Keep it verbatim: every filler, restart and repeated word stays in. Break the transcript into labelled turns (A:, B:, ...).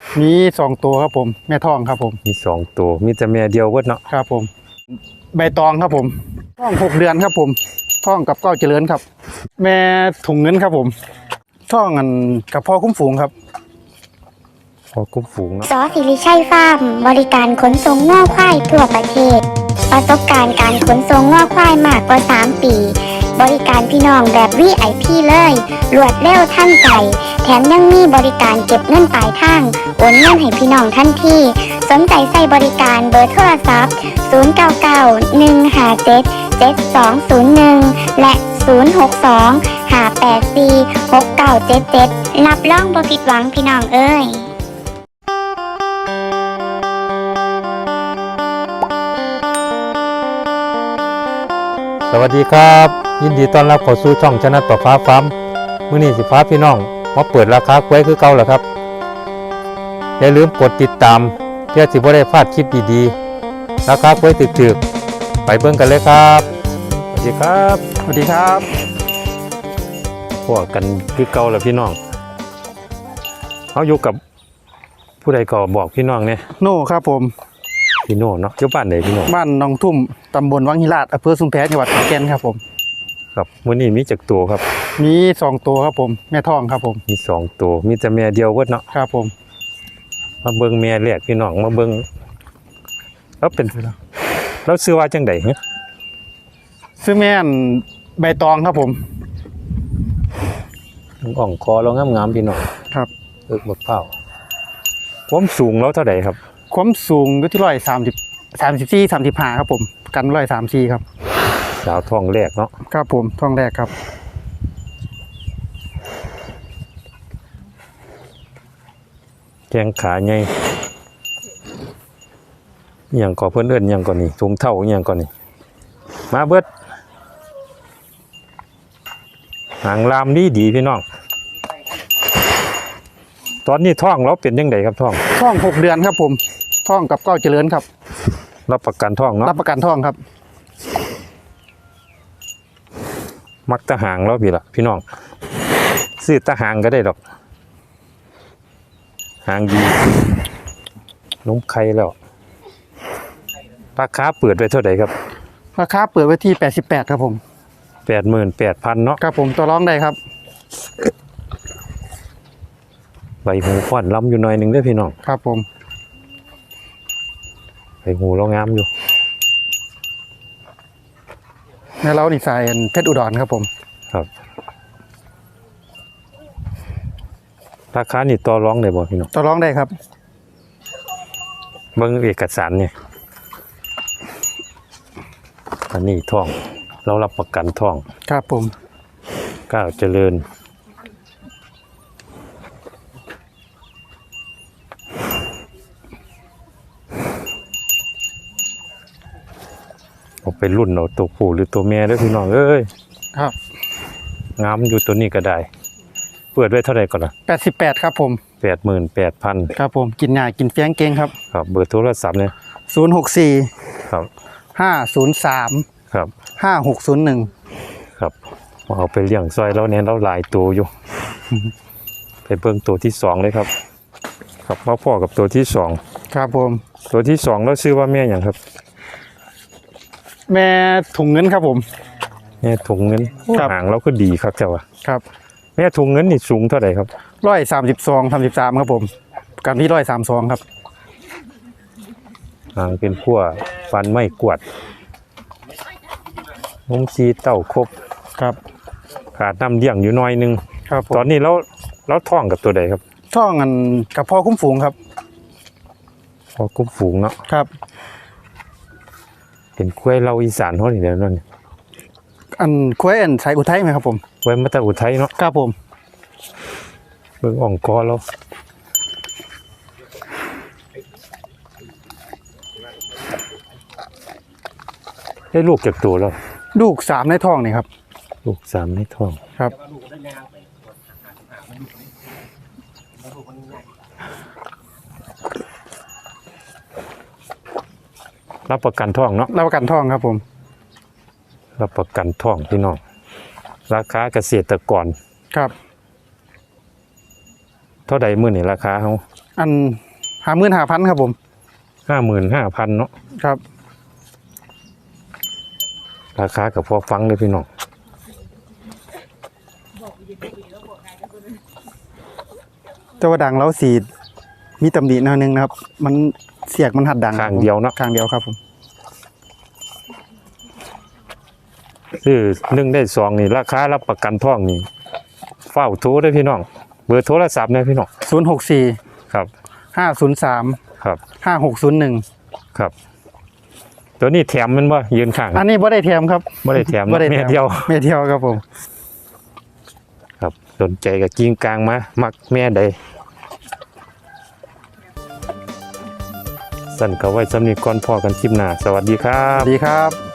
A: มีสองตัวครับผมแม่ทองครับผม
B: มีสองตัวมีแต่แม่เดียวเบิดเนาะ
A: ครับผมใบตองครับผมท้องหกเดือนครับผมท้องกับเก้าเจริญครับ แม่ถุงเงินครับผมท้องอันกับพ่อคุ้มฝูงครับ
B: พอคุ้มฝูงเนาะ
C: ซอสิริชัยฟาร์มบริการขนส่งง่อควายทั่วประเทศประสบการณ์การขนส่งง่อควายมากกว่าสามปีบริการพี่น้องแบบ วี ไอ พี เลยรวดเร็วทันใจแถมยังมีบริการเก็บเงินปลายทางโอนเงินให้พี่น้องทันทีสนใจใส่บริการเบอร์โทรศัพท์ศูนย์ เก้า เก้า หนึ่ง ห้า เจ็ด เจ็ด สอง ศูนย์ หนึ่งและศูนย์ หก สอง ห้า แปด สี่ หก เก้า เจ็ด เจ็ดรับรองบ่ผิดหวังพี่น้องเอ้ย
B: สวัสดีครับยินดีต้อนรับเข้าสู่ช่องชนะต่อฟ้าฟ้ามื้อนี้สิพาพี่น้องมาเปิดราคากล้วยคือเก่าแล้วครับอย่าลืมกดติดตามเพื่อสิบ่ได้พลาดคลิปดีๆราคากล้วยถึกๆไปเบิ่งกันเลยครับสวัสดีครับ
A: สวัสดีครับ
B: พวกกันคือเก่าแล้วพี่น้องเฮาอยู่กับผู้ใดก็บอกพี่น้องเนี่ย
A: โน่ครับผม
B: พี่โน่เนาะอยู่บ้านไหนพี่โน่
A: บ้านหนองทุ่มตำบลวังหิราชอำเภอชุมแพจังหวัดขอนแก่นครับผม
B: ครับมื้อนี้มีจักตัวครับ
A: มีสองตัวครับผมแม่ทองครับผม
B: มีสองตัวมีแต่แม่เดียวเบิดเนาะ
A: ครับผม
B: มาเบิ่งแม่แรกพี่น้องมาเบิ่งแล้วเป็นแล้วซื้อว่าจังได๋ฮะ
A: ซื้อแม่นใบตองครับผม
B: อ่องคอเรางามๆพี่น้อง
A: ครับ
B: เอิกบักเผาความสูงแล้วเท่าใดครับ
A: ความสูงอยู่ที่ร้อยสามสิบสามสิบสี่สามสิบห้าครับผมกันร้อยสามสี่ครับ
B: สาวท้องแรกเนาะ
A: ครับผมท้องแรกครับ
B: แข้งขาใหญ่อหย่างก่อเพิ่นเอิ้นอหย่างก่อนนี่ถุงเท่าอหย่างก่อนนี่มาเบิดหางลามดีดีพี่น้องตอนนี้ท้องเราเป็นยังไงครับท้อง
A: ท้องหกเดือนครับผมท้องกับเก้าเจริญครับ
B: รับประกันท้องเนาะ
A: รับประกันท้องครับ
B: มักตะหางแล้วพี่ละพี่น้องซื้อตะหางก็ได้ดอกหางดีนมไข่แล้วราคาเปิดไว้เท่าไหร่ครับ
A: ราคาเปิดไว้ที่แปดสิบแปดครับผม
B: แปดหมื่นแปดพันเนาะ
A: ครับผมต่อรองได้ครับ
B: ใบหูค่อนล้ำอยู่หน่อยหนึ่งด้วยพี่น้อง
A: ครับผม
B: ใบหูเรางามอยู่
A: ในเรานี่ใส่เพชรอุดรครับผม
B: ครับราคานี่ต่อรองได้บ่พี่น้อง
A: ต่อรองได้ครับ
B: เบิ่งเอกสารเนี่ยอันนี้ท่องเรารับประกันท่อง
A: ครับผม
B: ก้าวเจริญเอาไปรุ่นเอาตัวผู้หรือตัวแม่ด้วยพี่น้องเอ้ย
A: ครับ
B: งามอยู่ตัวนี้ก็ได้เปิดไว้เท่าไหร่ก่อนล่ะ
A: แปดสิบแปดครับผม
B: แปดหมื่นแปดพัน
A: ครับผมกินง่ายกินแฟ้งเก่งครับ
B: ครับเบอร์โทรศัพท์เนี่ย
A: ศูนย์หกสี่
B: ครับ
A: ห้าศูนย์สาม
B: ครับ
A: ห้าหกศูนย์หนึ่ง
B: ครับเอาไปเลี้ยงซอยแล้วเนี่ยเราหลายตัวอยู่ ไปเบิ่งตัวที่สองเลยครับครับมาพ่อกับตัวที่สอง
A: ครับผม
B: ตัวที่สองแล้วชื่อว่าแม่อย่างครับ
A: แม่ถุงเงินครับผม
B: แม่ถุงเงินหางเราก็ดีครับเจ้าว่ะ
A: ครับ
B: แม่ถุงเงินนี่สูงเท่าไหร่ครับ
A: ร้อยสามสิบสองสามสิบสามครับผมกันที่ร้อยสามสองครับ
B: หางเป็นขั้วฟันไม่กวดนมซีเต้าครบ
A: ครับ
B: ขาดน้ำเลี้ยงอยู่น้อยนึง
A: ครับ
B: ตอนนี้เราเราท้องกับตัวใดครับ
A: ท้องอันกับพ่อคุ้มฝูงครับ
B: พ่อคุ้มฝูงเนาะ
A: ครับ
B: เป็นกล้วยเราอีสานเท่านี้เดี๋ยวนั่น
A: อันกล้วยอันสายอุทัยไหมครับผม
B: กล้วยมาจากอุทัยเนาะ
A: ครับผม
B: เบิ่งอ่องคอเราได้ลูกเก็บตัวแล้ว
A: ลูกสามในท้องนี่ครับ
B: ลูกสามในท้อง
A: ครับ
B: รับประกันท้องเนาะ
A: รับประกันท้องครับผม
B: รับประกันท้องพี่น้องราคาเกษตรกร
A: ครับ
B: เท่าใดมื้อนี่ราคาเฮา
A: อันห้าหมื่นห้าพันครับผม
B: ห้าหมื่นห้าพันเนาะ
A: ครับ
B: ราคากับพอฟังเลยพี่น้อง
A: แต่ว่าดังแล้วสีมีตำหนิหน่อยนึงนะครับ มันเสียกมันหัดดัง
B: ข้างเดียวเนาะ
A: ข้างเดียวครับผม
B: ซื้อหนึ่งได้สองนี่ราคารับประกันท่องนี่เฝ้าโทรได้พี่น้องเบอร์โทรศัพท์เนี่ยพี่น้อง
A: ศูนย์หกสี่
B: ครับ
A: ห้าศูนย์สาม
B: ครับ
A: ห้าหกศูนย์หนึ่ง
B: ครับ ตัวนี้แถมมันบ่ยืนข้าง
A: อันนี้บ่ได้แถมครับ
B: ไม่ได้แถม
A: บ่ได้
B: เม็
A: แถ
B: ด
A: ม
B: เดียว
A: เม็ดเดียวครับผม
B: ครับสนใจกับกิ้งกลางมามักแม่ใดสั่นก็ไว้สำนีก่อนพอกันคลิปหน้าสวัสดีครั
A: ส
B: บ
A: วัสดีครับ